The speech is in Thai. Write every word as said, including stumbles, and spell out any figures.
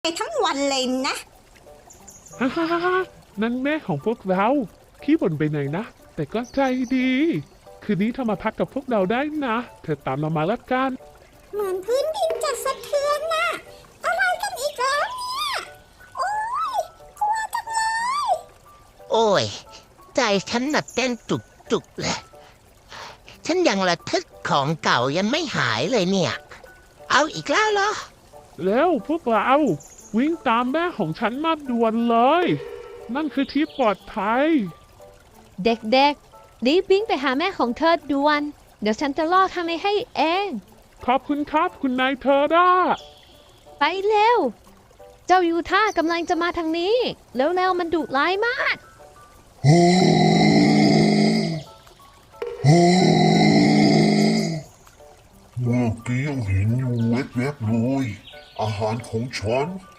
ไปทั้งวันเลยนะฮ่าฮ่าฮ่านั่นแม่ของพวกเราขี้บ่นไปไหนนะ แต่ก็ใจดี คืนนี้เธอมาพักกับพวกเราได้นะ เธอตามเรามาละกันเหมือนพื้นดินจะสะเทือนน่ะ อะไรกันอีกแล้วเนี่ย โอ้ยกลัวจังเลยโอ้ย ใจฉันน่ะเต้นจุกจุกเลย ฉันยังระทึกของเก่ายังไม่หายเลยเนี่ย เอาอีกแล้วเหรอแล้วพวกเราวิ่งตามแม่ของฉันมาด่วนเลย นั่นคือที่ปลอดภัยเด็กๆรีบวิ่งไปหาแม่ของเธอด่วน เดี๋ยวฉันจะล่อทางนี้ให้เองขอบคุณครับคุณนายเธอด้าไปเร็ว เจ้ายูท่ากำลังจะมาทางนี้ แล้วๆมันดุร้ายมากเมื่อกี้ยังเห็นอยู่แวบๆเลยอาหารของฉัน